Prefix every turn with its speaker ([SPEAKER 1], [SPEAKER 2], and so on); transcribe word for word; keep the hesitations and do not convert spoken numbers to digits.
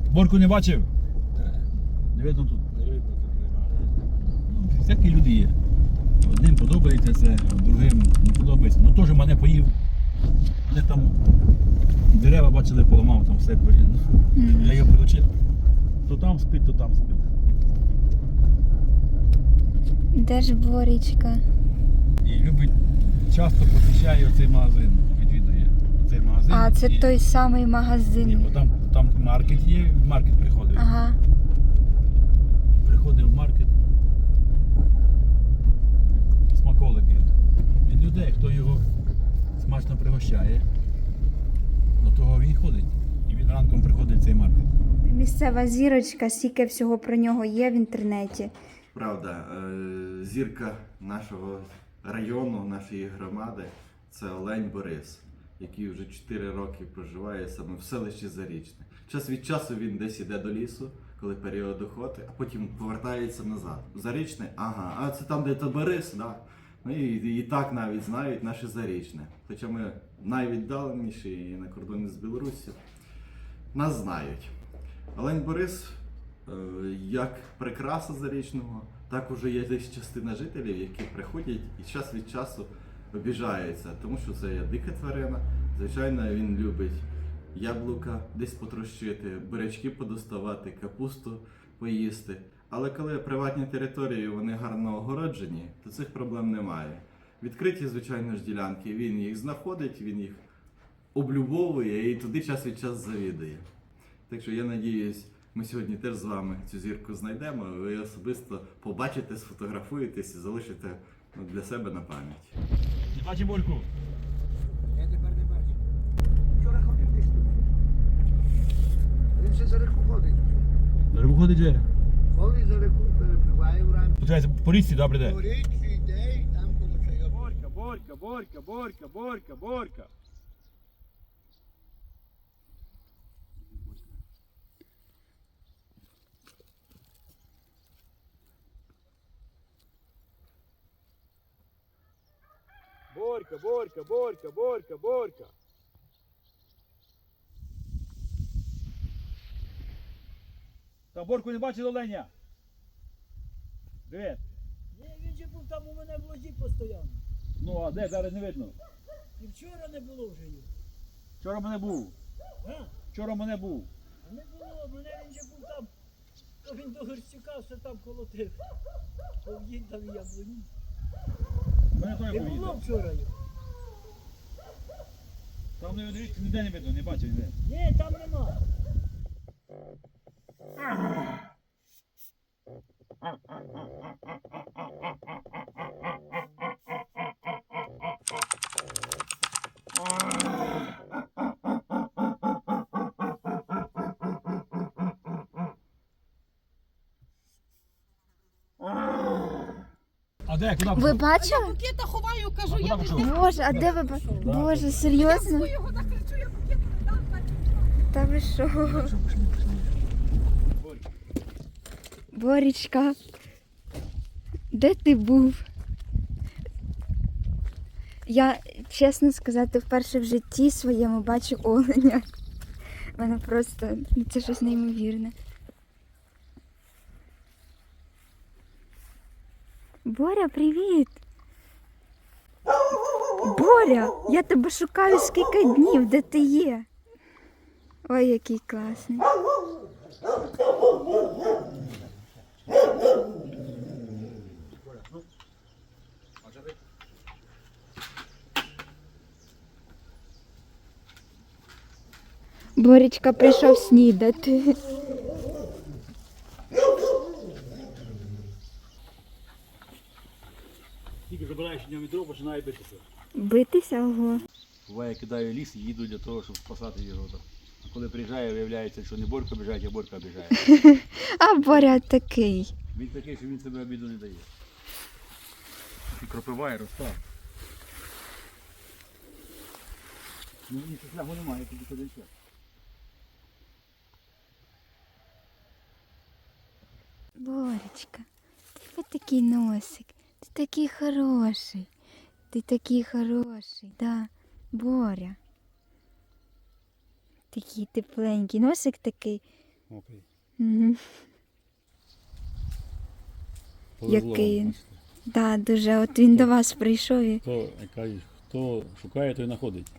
[SPEAKER 1] Борку не бачив? Не видно тут.
[SPEAKER 2] Не видно тут немає.
[SPEAKER 1] Ну, всякі люди є. Одним подобається це, другим не подобається. Ну теж мене поїв. Мене там дерева бачили, поламав, там все блін.
[SPEAKER 3] Мгм.
[SPEAKER 1] Я його прилучив. То там спить, то там спить.
[SPEAKER 3] Де ж Борічка?
[SPEAKER 1] І любить, часто посещає оцей магазин, відвідує цей магазин.
[SPEAKER 3] А, це
[SPEAKER 1] і...
[SPEAKER 3] той самий
[SPEAKER 1] Ні,
[SPEAKER 3] магазин.
[SPEAKER 1] бо там, там маркет є, в маркет приходить.
[SPEAKER 3] Ага.
[SPEAKER 1] Приходить в маркет. Смаколики. Від людей, хто його смачно пригощає, до того він ходить. І він ранком приходить в цей маркет.
[SPEAKER 3] Місцева зірочка, стільки всього про нього є в інтернеті.
[SPEAKER 2] Правда, е, зірка нашого району, нашої громади – це Олень Борис, який вже чотири роки проживає саме в селищі Зарічне. Час від часу він десь іде до лісу, коли період охоти, а потім повертається назад. Зарічне, ага, а це там, де то Борис, да. Ну і, і так навіть знають наше Зарічне. Хоча ми найвіддаленіші і на кордоні з Білоруссю, нас знають. Олень Борис, е, як прикраса Зарічного, так уже є десь частина жителів, які приходять і час від часу обіжаються, тому що це є дика тварина. Звичайно, він любить яблука десь потрощити, бурячки подоставати, капусту поїсти. Але коли приватні території, вони гарно огороджені, то цих проблем немає. Відкриті, звичайно ж, ділянки, він їх знаходить, він їх облюбовує і туди час від часу завідує. Так що я надіюсь, ми сьогодні теж з вами цю зірку знайдемо, ви особисто побачите, сфотографуєтесь і залишите, ну, для себе на пам'ять.
[SPEAKER 1] Не бачиш Борку?
[SPEAKER 4] Я тепер не бачу. Вчора ходив десь тут. Він ще за реку ходить.
[SPEAKER 1] На рибу ходить же.
[SPEAKER 4] Ходить за реку, перепливає вранці.
[SPEAKER 1] Получається, по річці, да, прийде?
[SPEAKER 4] По річці йде і там коло чайок.
[SPEAKER 1] Борька, Борька, Борька, Борька, Борька, Борька. Борька, Борька, Борька, Борька, Борька. Та Борку не бачив оленя? Де?
[SPEAKER 5] Ні, він же був там у мене в лозі постійно.
[SPEAKER 1] Ну, а де? Зараз не видно.
[SPEAKER 5] І вчора не було вже його.
[SPEAKER 1] Вчора мене був.
[SPEAKER 5] А?
[SPEAKER 1] Вчора мене був.
[SPEAKER 5] А не було, мене він же був там. То він до Горстюка все там колотив. Повдінь там і яблуні.
[SPEAKER 1] Мене той
[SPEAKER 5] Не було
[SPEAKER 1] поїде.
[SPEAKER 5] вчора його.
[SPEAKER 1] Там не дивіться, ніде не видно, не бачив ніде.
[SPEAKER 5] Ні, там нема.
[SPEAKER 1] А де? Куди
[SPEAKER 3] Ви
[SPEAKER 1] пішов?
[SPEAKER 3] бачили?
[SPEAKER 6] Букета ховаю, кажу,
[SPEAKER 1] А
[SPEAKER 6] я
[SPEAKER 1] куди
[SPEAKER 6] не
[SPEAKER 1] пішов?
[SPEAKER 3] Боже, а де ви бачили? Боже, серйозно?
[SPEAKER 6] його накричу, я букет не дам.
[SPEAKER 3] Та ви що? Борічка, де ти був? Я, чесно сказати, вперше в житті своєму бачу оленя. У мене просто, ну, це щось неймовірне. Боря, привіт! Боря, я тебе шукаю скільки днів, де ти є? Ой, який класний. Боречка прийшов снідати.
[SPEAKER 1] Тільки забираєш нього відро, починає битися.
[SPEAKER 3] Битися, ого.
[SPEAKER 1] Буває, кидаю ліс і їду для того, щоб спасати його. А коли приїжджає, виявляється, що не Борька біжать, а Борька біжає.
[SPEAKER 3] А Боря такий.
[SPEAKER 1] Він такий, що він себе обіду не дає. І кропиває, ростав. Ну, ні, шляху немає, тільки один час.
[SPEAKER 3] Боречка, ти такий носик, ти такий хороший, ти такий хороший, да, Боря. Такий тепленький, носик такий
[SPEAKER 1] Мокрий.
[SPEAKER 3] Угу.
[SPEAKER 1] Повезло
[SPEAKER 3] Який
[SPEAKER 1] вам,
[SPEAKER 3] він.
[SPEAKER 1] бачите.
[SPEAKER 3] Да, дуже. От він до вас прийшов і
[SPEAKER 1] Хто, яка, хто шукає, той знаходить.